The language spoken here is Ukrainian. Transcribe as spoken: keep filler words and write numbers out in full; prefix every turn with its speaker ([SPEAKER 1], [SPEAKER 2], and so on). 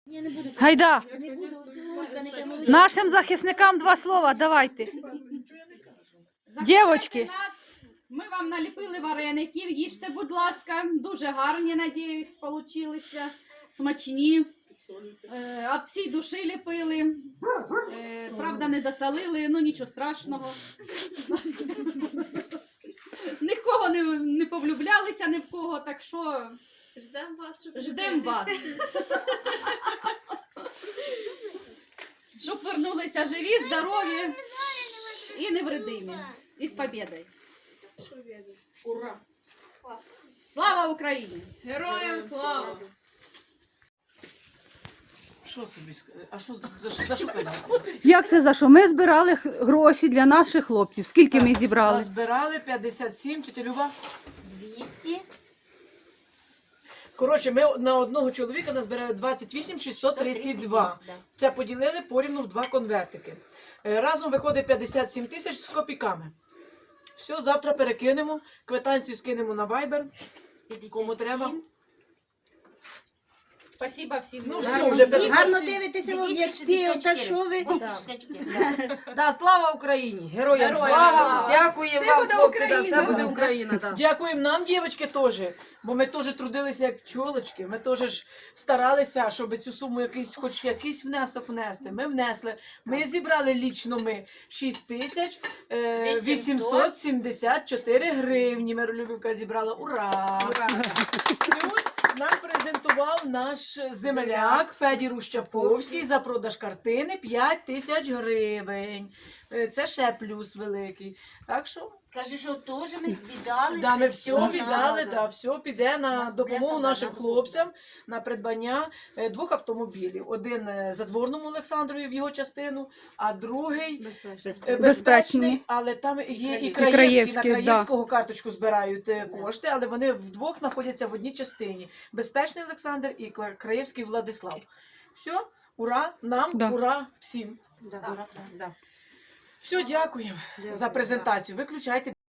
[SPEAKER 1] Гайда. Нашим захисникам два слова, давайте. Дівочки.
[SPEAKER 2] Ми вам наліпили вареників, їжте, будь ласка, дуже гарні, надіюсь, получилися, смачні. Е, От всій душі ліпили, е, правда не досолили, ну нічого страшного. Нікого не, не повлюблялися ні в кого, так що
[SPEAKER 3] Ждемо вас, щоб
[SPEAKER 2] ждемо вас. Щоб вернулися живі, здорові і невредимі. І з побєдою.
[SPEAKER 3] Ура!
[SPEAKER 2] Слава Україні!
[SPEAKER 3] Героям слава!
[SPEAKER 4] Що тобі сказати? А що за, за що казати?
[SPEAKER 1] Як це за що? Ми збирали х- гроші для наших хлопців. Скільки ми зібрали?
[SPEAKER 4] Назбирали п'ятдесят сім, тетя Люба.
[SPEAKER 3] двісті.
[SPEAKER 4] Коротше, ми на одного чоловіка назбирали двадцять вісім шістсот тридцять два. Це поділили порівну в два конвертики. Е, Разом виходить п'ятдесят сім тисяч з копійками. Все, завтра перекинемо, квитанцію скинемо на Viber, кому треба.
[SPEAKER 2] Спасибо всім.
[SPEAKER 4] Ну все, вже п'ятдесят
[SPEAKER 5] Гарно
[SPEAKER 4] сім.
[SPEAKER 5] дивитеся в об'єктив, та що ви?
[SPEAKER 6] Да, слава Україні! Героям
[SPEAKER 2] Героям
[SPEAKER 6] слава!
[SPEAKER 2] слава!
[SPEAKER 6] Дякуємо
[SPEAKER 2] Все
[SPEAKER 6] вам,
[SPEAKER 2] буде
[SPEAKER 6] хлопці, да,
[SPEAKER 2] Україна!
[SPEAKER 6] все буде Україна. Да.
[SPEAKER 4] Дякуємо нам, дівчатки, теж, бо ми теж трудилися як пчолочки, ми теж ж старалися, щоб цю суму якийсь, хоч якийсь внесок внести. Ми внесли, ми зібрали лічно ми шість тисяч вісімсот сімдесят чотири гривні. Миролюбівка зібрала. Ура! Плюс нам презентував наш земляк Федір Ущаповський за продаж картини п'ять тисяч гривень. Е, Це ще плюс великий. Так що
[SPEAKER 5] Каже, що теж ми віддали.
[SPEAKER 4] да,
[SPEAKER 5] це
[SPEAKER 4] ми все віддали,
[SPEAKER 5] надо.
[SPEAKER 4] да, все піде на
[SPEAKER 5] Нас
[SPEAKER 4] допомогу
[SPEAKER 5] преса
[SPEAKER 4] нашим
[SPEAKER 5] надо.
[SPEAKER 4] хлопцям на придбання е, двох автомобілів. Один е, Задворному Олександрові в його частину, а другий е, безпечний, але там є і Краєвський.
[SPEAKER 1] Краєвський,
[SPEAKER 4] На
[SPEAKER 1] да.
[SPEAKER 4] Краєвського карточку збирають е, кошти, але вони вдвох знаходяться в одній частині. Безпечний Олександр і Кла- Краєвський Владислав. Все, ура нам,
[SPEAKER 1] Да.
[SPEAKER 4] ура всім. Все, дякуємо за презентацію. Виключайте.